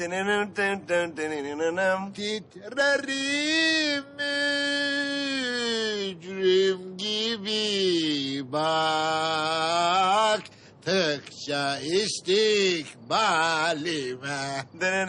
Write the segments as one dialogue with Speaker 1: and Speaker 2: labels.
Speaker 1: Titrerim mücrim gibi baktıkça istikbalime.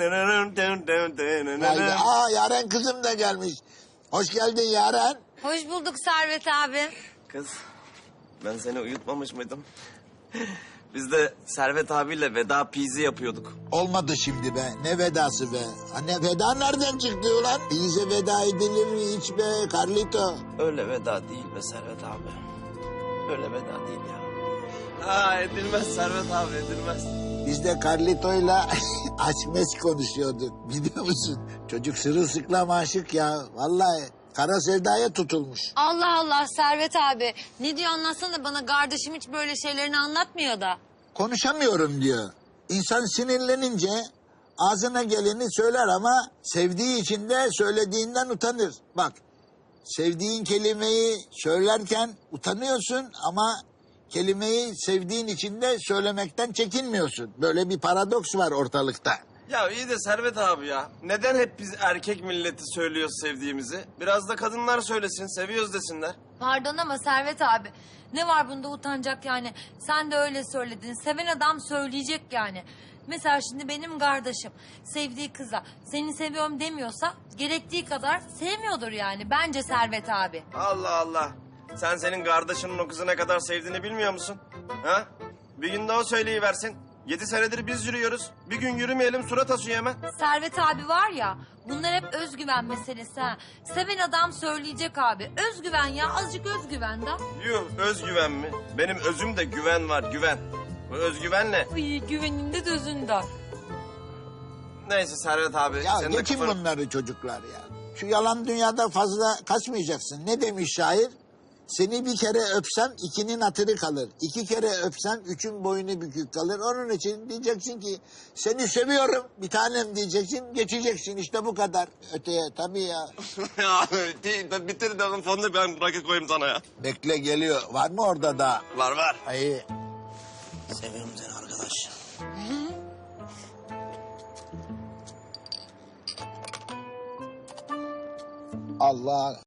Speaker 1: Yaren kızım da gelmiş. Hoş geldin Yaren.
Speaker 2: Hoş bulduk Servet abi.
Speaker 3: Kız, ben seni uyutmamış mıydım? Biz de Servet abiyle veda pizi yapıyorduk.
Speaker 1: Olmadı şimdi be. Ne vedası be? Anne veda nereden çıktı ulan? Bize veda edilir mi hiç be Carlito?
Speaker 3: Öyle veda değil be Servet abi. Öyle veda değil ya. Ha edilmez Servet abi, edilmez.
Speaker 1: Biz de Carlito'yla açmes konuşuyorduk biliyor musun? Çocuk sırılsıklam aşık ya. Vallahi kara sevdaya tutulmuş.
Speaker 2: Allah Allah Servet abi. Ne diyor anlatsana bana, kardeşim hiç böyle şeylerini anlatmıyor da.
Speaker 1: Konuşamıyorum diyor. İnsan sinirlenince ağzına geleni söyler ama sevdiği için de söylediğinden utanır. Bak sevdiğin kelimeyi söylerken utanıyorsun ama kelimeyi sevdiğin için de söylemekten çekinmiyorsun. Böyle bir paradoks var ortalıkta.
Speaker 3: Ya iyi de Servet abi ya. Neden hep biz erkek milleti söylüyoruz sevdiğimizi? Biraz da kadınlar söylesin, seviyoruz desinler.
Speaker 2: Pardon ama Servet abi. Ne var bunda utanacak yani? Sen de öyle söyledin. Seven adam söyleyecek yani. Mesela şimdi benim kardeşim sevdiği kıza seni seviyorum demiyorsa gerektiği kadar sevmiyordur yani. Bence Servet abi.
Speaker 3: Allah Allah. Sen senin kardeşinin o kızı ne kadar sevdiğini bilmiyor musun? Ha? Bir gün de o söyleyiversin. 7 senedir biz yürüyoruz. Bir gün yürümeyelim surat asıyor hemen.
Speaker 2: Servet abi var ya, bunlar hep özgüven meselesi ha. Seven adam söyleyecek abi. Özgüven ya, azıcık özgüven de.
Speaker 3: Yuh özgüven mi? Benim özümde güven var, güven. Bu özgüven ne?
Speaker 2: Ay güveninde de özünde.
Speaker 3: Neyse Servet abi.
Speaker 1: Ya
Speaker 3: senin de
Speaker 1: geçin
Speaker 3: kafanı-
Speaker 1: bunları çocuklar ya. Şu yalan dünyada fazla kaçmayacaksın. Ne demiş şair? Seni bir kere öpsem 2'nin hatırı kalır. 2 kere öpsem 3'ün boynu bükük kalır. Onun için diyeceksin ki seni seviyorum bir tanem diyeceksin. Geçeceksin işte bu kadar. Öteye tabii ya.
Speaker 3: Ya bitir de fonunu ben rakı koyayım sana ya.
Speaker 1: Bekle geliyor. Var mı orada da?
Speaker 3: Var var.
Speaker 1: Ay.
Speaker 3: Seviyorum seni arkadaş.
Speaker 1: Allah.